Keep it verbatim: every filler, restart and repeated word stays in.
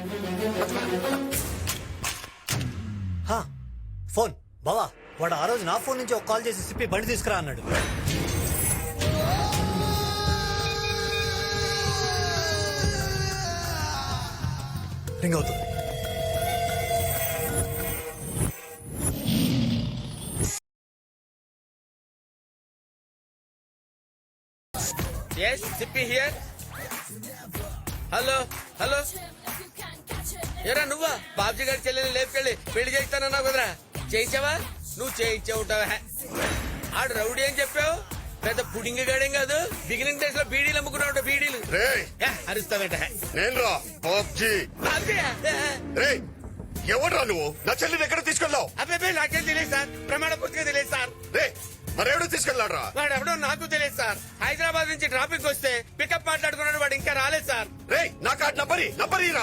హా, ఫోన్ బావా. వాడు ఆ రోజు నా ఫోన్ నుంచి ఒక కాల్ చేసి సిప్పి బండి తీసుకురా అన్నాడు. రింగ్ అవుతుంది. Yes, Sippy here. Hello hello ఎరా నువ్వా బాబ్జీ గారి చెల్లెని లేపుకెళ్ళి పెళ్లి చేస్తానన్నావు కదరా, చేయించావా? నువ్వు చేయించే ఉంటావా? ఆడు రౌడీ అని చెప్పావు, పెద్ద పుడింగి గాడేం కాదు. బిగినింగ్ డేస్ లో బీడీలు అమ్ముకున్నావు, బీడీలు అరుస్తావేట. ఎవడ్రా నువ్వు? నా చెల్లిని ఎక్కడ తీసుకెళ్ళావు? అబ్బాయి నాకేం తెలియదు సార్, ప్రమాణ పూర్తిగా తెలియదు సార్. మరెవడో తీసుకెళ్ళాడ్రా? వాడు ఎవడో నాకు తెలియదు సార్. హైదరాబాద్ నుంచి ట్రాఫిక్ వస్తే పికప్ మాట్లాడుకున్నాడు, వాడు ఇంకా రాలేదు సార్. రే నా కార్డు నంబరి నంబరి రా.